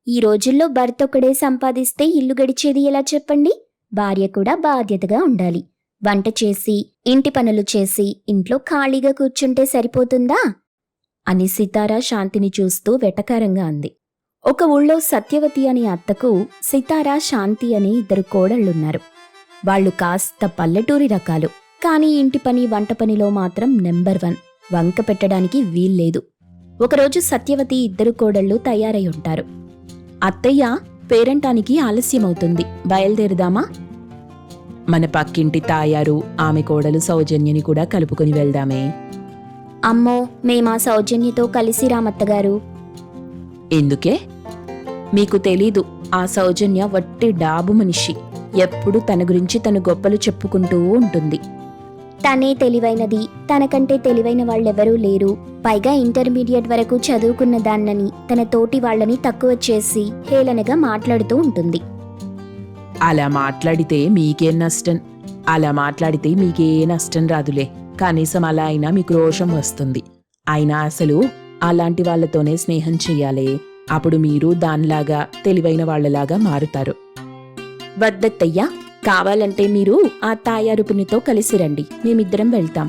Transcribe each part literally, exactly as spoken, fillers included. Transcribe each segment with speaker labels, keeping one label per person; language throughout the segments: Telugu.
Speaker 1: ఈ రోజుల్లో భర్త ఒక్కడే సంపాదిస్తే ఇల్లు గడిచేది ఎలా చెప్పండి? భార్య కూడా బాధ్యతగా ఉండాలి. వంట చేసి, ఇంటి పనులు చేసి, ఇంట్లో ఖాళీగా కూర్చుంటే సరిపోతుందా? అని సితారా శాంతిని చూస్తూ వెటకారంగా అంది. ఒక ఊళ్ళో సత్యవతి అనే అత్తకు సితారా, శాంతి అని ఇద్దరు కోడళ్లున్నారు. వాళ్లు కాస్త పల్లెటూరి రకాలు. కానీ ఇంటి పని, వంట పనిలో మాత్రం నెంబర్ వన్. వంక పెట్టడానికి వీల్లేదు. ఒకరోజు సత్యవతి ఇద్దరు కోడళ్లు తయారై ఉంటారు. అత్తయ్య, పేరంటానికి ఆలస్యమవుతుంది, బయలుదేరుదామా?
Speaker 2: మన పక్కింటి తాయారు, ఆమె కోడలు సౌజన్యని కూడా కలుపుకొని వెళ్దామే.
Speaker 1: అమ్మో, మేమా సౌజన్యతో కలిసి రామత్తగారు.
Speaker 2: ఎందుకే?
Speaker 1: మీకు తెలీదు, ఆ సౌజన్య వట్టి డాబు మనిషి. ఎప్పుడు తన గురించి తను గొప్పలు చెప్పుకుంటూ ఉంటుంది. తనే తెలివైనది, తనకంటే తెలివైన వాళ్ళెవరూ లేరు. పైగా ఇంటర్మీడియట్ వరకు చదువుకున్న దాన్నని తన తోటి వాళ్లని తక్కువ చేసి హేళనగా మాట్లాడుతూ ఉంటుంది.
Speaker 2: అలా మాట్లాడితే మీకేం నష్టం? అలా మాట్లాడితే మీకే నష్టం రాదులే. కనీసం అలా అయినా మీకు రోషం వస్తుంది. అయినా అసలు అలాంటి వాళ్లతోనే స్నేహం చెయ్యాలే. అప్పుడు మీరు దానిలాగా తెలివైన వాళ్లలాగా మారుతారు.
Speaker 1: వద్దత్తయ్యా, కావాలంటే మీరు ఆ తాయారుపునితో కలిసి రండి, మేమిద్దరం వెళ్తాం.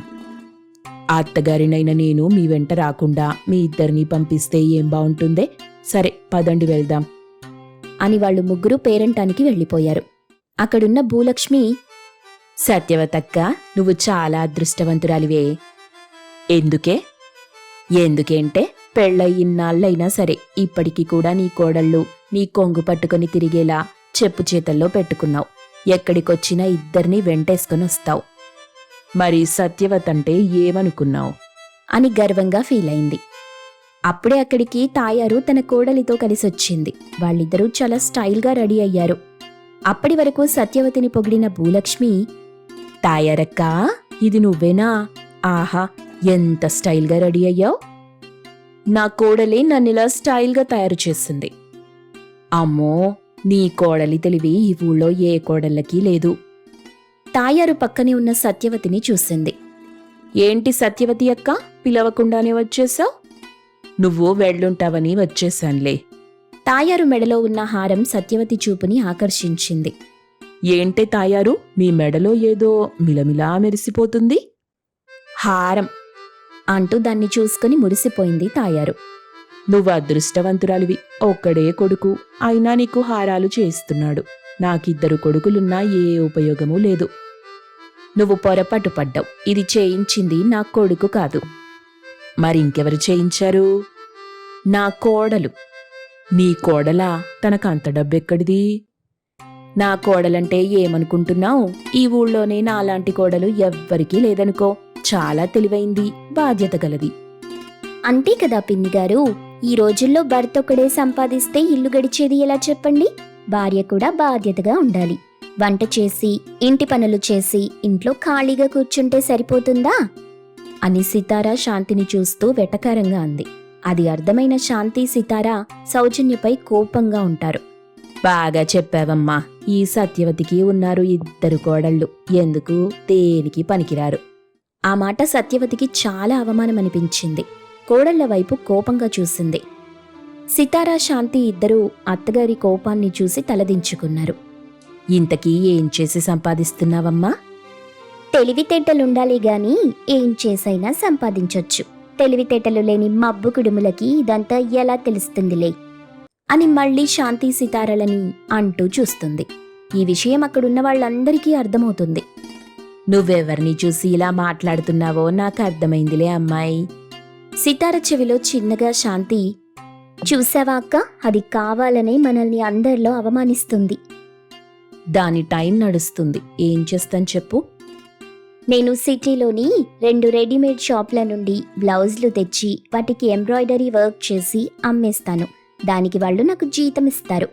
Speaker 2: ఆ అత్తగారినైనా నేను మీ వెంట రాకుండా మీ ఇద్దరిని పంపిస్తే ఏం బావుంటుందే? సరే, పదండి వెళ్దాం
Speaker 1: అని వాళ్ళు ముగ్గురు పేరంటానికి వెళ్ళిపోయారు. అక్కడున్న భూలక్ష్మి,
Speaker 2: సత్యవతక్క, నువ్వు చాలా అదృష్టవంతురాలివే. ఎందుకే? ఎందుకేంటే, పెళ్ళై ఇన్నాళ్ళైనా సరే ఇప్పటికీ కూడా నీ కోడళ్ళు నీ కొంగు పట్టుకొని తిరిగేలా చెప్పు చేతల్లో పెట్టుకున్నావు. ఎక్కడికొచ్చినా ఇద్దరినీ వెంటేసుకొని వస్తావు. మరి సత్యవతంటే ఏమనుకున్నావు
Speaker 1: అని గర్వంగా ఫీలైంది. అప్పుడే అక్కడికి తాయారు తన కోడలితో కలిసొచ్చింది. వాళ్ళిద్దరూ చాలా స్టైల్గా రెడీ అయ్యారు. అప్పటి వరకు సత్యవతిని పొగిడిన భూలక్ష్మి,
Speaker 2: తాయారక్కా, ఇది నువ్వేనా? ఆహా, ఎంత స్టైల్గా రెడీ అయ్యావు.
Speaker 1: నా కోడలే నన్నిలా స్టైల్గా తయారు చేసింది.
Speaker 2: అమ్మో, నీ కోడలి తెలివి ఈ ఊళ్ళో ఏ కోడళ్ళకి లేదు.
Speaker 1: తాయారు పక్కనే ఉన్న సత్యవతిని చూసింది.
Speaker 2: ఏంటి సత్యవతి అక్క, పిలవకుండానే వచ్చేసావు? నువ్వు వెళ్ళుంటావని వచ్చేశాన్లే.
Speaker 1: తాయారు మెడలో ఉన్న హారం సత్యవతి చూపుని ఆకర్షించింది.
Speaker 2: ఏంటే తాయారు, మీ మెడలో ఏదో మిలమిలా మెరిసిపోతుంది.
Speaker 1: హారం అంటూ దాన్ని చూసుకుని మురిసిపోయింది తాయారు.
Speaker 2: నువ్వు అదృష్టవంతురాలివి. ఒక్కడే కొడుకు, అయినా నీకు హారాలు చేస్తున్నాడు. నాకిద్దరు కొడుకులున్నా ఏ ఉపయోగమూ లేదు.
Speaker 1: నువ్వు పొరపాటు పడ్డావు. ఇది చేయించింది నా కొడుకు కాదు.
Speaker 2: మరింకెవరు చేయించారు?
Speaker 1: నా కోడలు.
Speaker 2: నీ కోడలా? తనకంత డబ్బెక్కడిది?
Speaker 1: నా కోడలంటే ఏమనుకుంటున్నావు? ఈ ఊళ్ళోనే నాలాంటి కోడలు ఎవ్వరికీ లేదనుకో. చాలా తెలివైంది, బాధ్యత గలది. అంతే కదా పిన్నిగారు, ఈ రోజుల్లో భర్త ఒక్కడే సంపాదిస్తే ఇల్లు గడిచేది ఎలా చెప్పండి? భార్య కూడా బాధ్యతగా ఉండాలి. వంట చేసి, ఇంటి పనులు చేసి, ఇంట్లో ఖాళీగా కూర్చుంటే సరిపోతుందా? అని సితారా శాంతిని చూస్తూ వెటకారంగా అంది. అది అర్థమైన శాంతి, సితారా సౌజన్యపై కోపంగా ఉంటారు.
Speaker 2: బాగా చెప్పావమ్మా. ఈ సత్యవతికి ఉన్నారు ఇద్దరు కోడళ్ళు, ఎందుకు దేనికి పనికిరారు.
Speaker 1: ఆ మాట సత్యవతికి చాలా అవమానమనిపించింది. కోడళ్ల వైపు కోపంగా చూసింది. సితారా, శాంతి ఇద్దరూ అత్తగారి కోపాన్ని చూసి తలదించుకున్నారు.
Speaker 2: ఇంతకీ ఏం చేసి సంపాదిస్తున్నావమ్మా?
Speaker 1: తెలివితేటలుండాలి గాని ఏం చేసైనా సంపాదించొచ్చు. తెలివితేటలు లేని మబ్బు కుడుములకి ఇదంతా ఎలా తెలుస్తుందిలే అని మళ్లీ శాంతి సితారలని అంటూ చూస్తుంది. ఈ విషయం అక్కడున్న వాళ్ళందరికీ అర్థమవుతుంది.
Speaker 2: నువ్వెవరిని చూసి ఇలా మాట్లాడుతున్నావో నాకు అర్థమైందిలే అమ్మాయి.
Speaker 1: సితార చెవిలో చిన్నగా శాంతి, చూసావా అక్క, అది కావాలనే మనల్ని అందరిలో అవమానిస్తుంది.
Speaker 2: దాని టైం నడుస్తుంది, ఏం చేస్తాను చెప్పు.
Speaker 1: నేను సిటీలోని రెండు రెడీమేడ్ షాప్ల నుండి బ్లౌజులు తెచ్చి వాటికి ఎంబ్రాయిడరీ వర్క్ చేసి అమ్మేస్తాను. దానికి వాళ్ళు నాకు జీతం ఇస్తారు.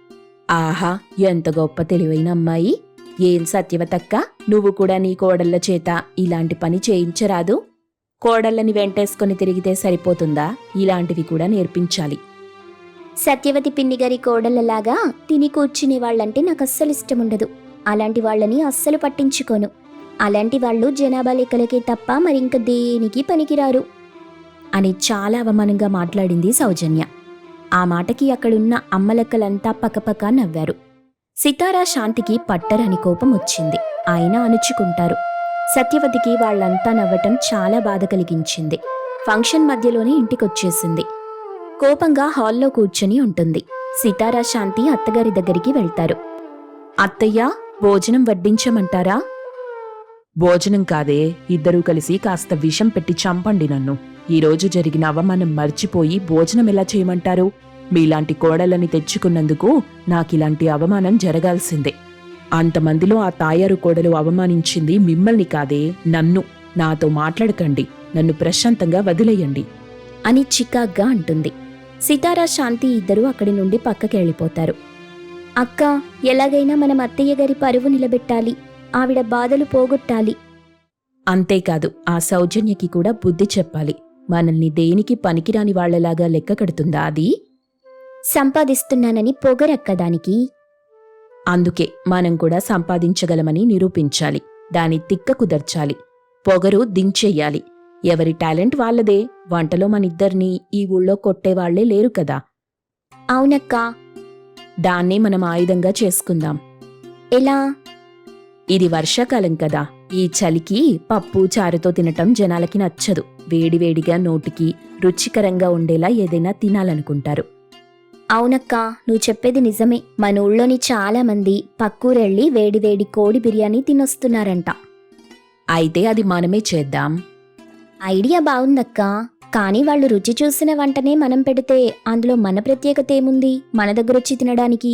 Speaker 2: ఆహా, ఎంత గొప్ప తెలివైన అమ్మాయి. ఏం సత్యవతక్క, నువ్వు కూడా నీ కోడళ్ల చేత ఇలాంటి పని చేయించరాదు? కోడళ్ళని వెంటేసుకొని తిరిగితే సరిపోతుందా? ఇలాంటివి కూడా నేర్పించాలి.
Speaker 1: సత్యవతి పిన్నిగారి కోడళ్ళలాగా తిని కూర్చునే వాళ్ళంటే నాకు అస్సలు ఇష్టముండదు. అలాంటి వాళ్ళని అస్సలు పట్టించుకోను. అలాంటి వాళ్ళు జనాభా లెక్కలకే తప్ప మరింక దేనికి పనికిరారు అని చాలా అవమానంగా మాట్లాడింది సౌజన్య. ఆ మాటకి అక్కడున్న అమ్మలక్కలంతా పకపక నవ్వారు. సితారా శాంతికి పట్టరని కోపం వచ్చింది. అయినా అణుచుకుంటారు. సత్యవతికి వాళ్లంతా నవ్వటం చాలా బాధ కలిగించింది. ఫంక్షన్ మధ్యలోనే ఇంటికొచ్చేసింది. కోపంగా హాల్లో కూర్చుని ఉంటుంది. సితారా శాంతి అత్తగారి దగ్గరికి వెళ్తారు. అత్తయ్య, భోజనం వడ్డించమంటారా?
Speaker 2: భోజనం కాదే, ఇద్దరూ కలిసి కాస్త విషం పెట్టి చంపండి నన్ను. ఈరోజు జరిగిన అవమానం మర్చిపోయి భోజనం ఎలా చేయమంటారు? మీలాంటి కోడలని తెచ్చుకున్నందుకు నాకిలాంటి అవమానం జరగాల్సిందే. అంతమందిలో ఆ తాయారు కోడలు అవమానించింది మిమ్మల్ని కాదే, నన్ను. నాతో మాట్లాడకండి, నన్ను ప్రశాంతంగా వదిలేయండి
Speaker 1: అని చికాగ్గా అంటుంది. సితారా శాంతి ఇద్దరూ అక్కడి నుండి పక్కకెళ్ళిపోతారు. అక్క, ఎలాగైనా మనం అత్తయ్య గారి పరువు నిలబెట్టాలి. ఆవిడ బాధలు పోగొట్టాలి.
Speaker 2: అంతేకాదు, ఆ సౌజన్యకి కూడా బుద్ధి చెప్పాలి. మనల్ని దేనికి పనికిరాని వాళ్లలాగా లెక్క కడుతుందా అది?
Speaker 1: సంపాదిస్తున్నానని పొగరక్క దానికి.
Speaker 2: అందుకే మనం కూడా సంపాదించగలమని నిరూపించాలి. దాని తిక్క కుదర్చాలి. పొగరు దించెయ్యాలి. ఎవరి టాలెంట్ వాళ్ళదే. వంటలో మనిద్దరినీ ఈ ఊళ్ళో కొట్టేవాళ్లే లేరు కదా.
Speaker 1: అవునక్కా.
Speaker 2: దాన్నే మనం ఆయుధంగా చేసుకుందాం.
Speaker 1: ఎలా?
Speaker 2: ఇది వర్షాకాలం కదా. ఈ చలికి పప్పు చారుతో తినటం జనాలకి నచ్చదు. వేడివేడిగా నోటికి రుచికరంగా ఉండేలా ఏదైనా తినాలనుకుంటారు.
Speaker 1: అవునక్కా, నువ్వు చెప్పేది నిజమే. మన ఊళ్ళోని చాలా మంది పక్కూరెళ్ళి వేడివేడి కోడి బిర్యానీ తినొస్తున్నారంట.
Speaker 2: అయితే అది మనమే చేద్దాం.
Speaker 1: ఐడియా బావుందక్కా. కానీ వాళ్ళు రుచి చూసిన వంటనే మనం పెడితే అందులో మన ప్రత్యేకత ఏముంది మన దగ్గరొచ్చి తినడానికి?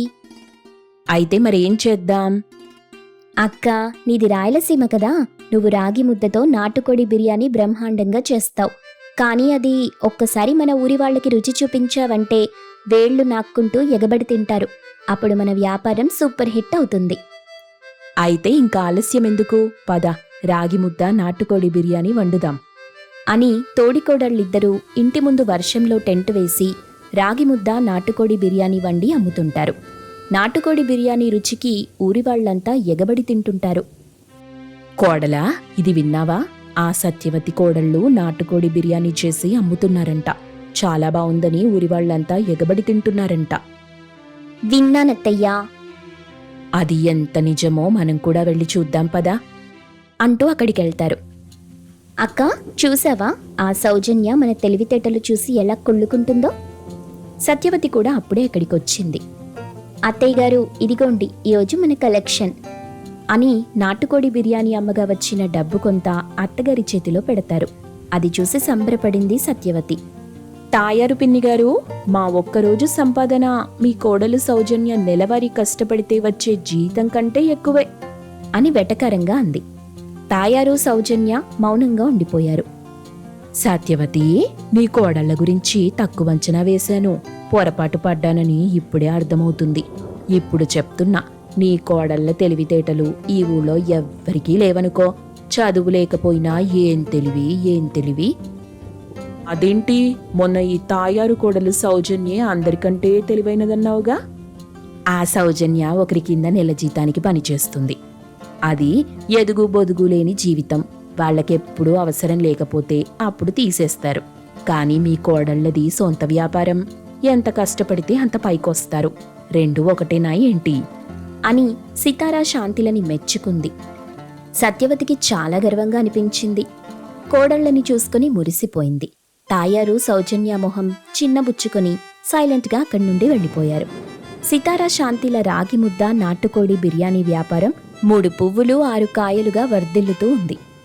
Speaker 2: అయితే మరేం చేద్దాం?
Speaker 1: అక్క, నీది రాయలసీమ కదా. నువ్వు రాగి ముద్దతో నాటుకోడి బిర్యానీ బ్రహ్మాండంగా చేస్తావు. కానీ అది ఒక్కసారి మన ఊరి వాళ్ళకి రుచి చూపించావంటే వేళ్లు నాక్కుంటూ ఎగబడి తింటారు. అప్పుడు మన వ్యాపారం సూపర్ హిట్ అవుతుంది.
Speaker 2: అయితే ఇంకా ఆలస్యం ఎందుకు? పద, రాగి ముద్ద నాటుకోడి బిర్యానీ వండుదాం
Speaker 1: అని తోడికోడళ్ళిద్దరూ ఇంటి ముందు వర్షంలో టెంట్ వేసి రాగి ముద్ద నాటుకోడి బిర్యానీ వండి అమ్ముతుంటారు. నాటుకోడి బిర్యానీ రుచికి ఊరివాళ్లంతా ఎగబడి తింటుంటారు.
Speaker 2: కోడలా, ఇది విన్నావా? ఆ సత్యవతి కోడళ్ళు నాటుకోడి బిర్యానీ చేసి అమ్ముతున్నారంట. చాలా బావుందని ఊరివాళ్లంతా ఎగబడి తింటున్నారంట.
Speaker 1: విన్నానత్తయ్యా.
Speaker 2: అది ఎంత నిజమో మనం కూడా వెళ్ళి చూద్దాం పదా
Speaker 1: అంటూ అక్కడికెళ్తారు. అక్క, చూసావా? ఆ సౌజన్య మన తెలివితేటలు చూసి ఎలా కుళ్ళుకుంటుందో. సత్యవతి కూడా అప్పుడే అక్కడికొచ్చింది. అత్తయ్య గారు, ఇదిగోండి ఈరోజు మన కలెక్షన్ అని నాటుకోడి బిర్యానీ అమ్మగా వచ్చిన డబ్బు కొంత అత్తగారి చేతిలో పెడతారు. అది చూసి సంబరపడింది సత్యవతి.
Speaker 2: తాయారు పిన్నిగారు, మా ఒక్కరోజు సంపాదన మీ కోడలు సౌజన్య నెలవారీ కష్టపడితే వచ్చే జీతం కంటే ఎక్కువే
Speaker 1: అని వెటకారంగా అంది. తాయారు సౌజన్య మౌనంగా ఉండిపోయారు.
Speaker 2: సత్యవతి, నీ కోడళ్ల గురించి తక్కువ అంచనా వేశాను. పొరపాటు పడ్డానని ఇప్పుడే అర్థమవుతుంది. ఇప్పుడు చెప్తున్నా, నీ కోడళ్ల తెలివితేటలు ఈ ఊళ్ళో ఎవ్వరికీ లేవనుకో. చదువు లేకపోయినా ఏం తెలివి ఏం తెలివి. అదేంటి, మొన్న ఈ తాయారు కోడలు సౌజన్యే అందరికంటే తెలివైనదన్నావుగా? ఆ సౌజన్య ఒకరి కింద నెల జీతానికి పనిచేస్తుంది. అది ఎదుగు బొదుగు లేని జీవితం. వాళ్ళకెప్పుడూ అవసరం లేకపోతే అప్పుడు తీసేస్తారు. కానీ మీ కోడళ్ళది సొంత వ్యాపారం. ఎంత కష్టపడితే అంత పైకొస్తారు. రెండు ఒకటేనా ఏంటి
Speaker 1: అని సితారా శాంతిలని మెచ్చుకుంది. సత్యవతికి చాలా గర్వంగా అనిపించింది. కోడళ్ళని చూసుకుని మురిసిపోయింది. తాయారు సౌజన్య మొహం చిన్నబుచ్చుకొని సైలెంట్గా అక్కడి నుండి వెళ్ళిపోయారు. సితారా శాంతిల రాగి ముద్ద నాటుకోడి బిర్యానీ వ్యాపారం మూడు పువ్వులు ఆరు కాయలుగా వర్ధిల్లుతూ ఉంది.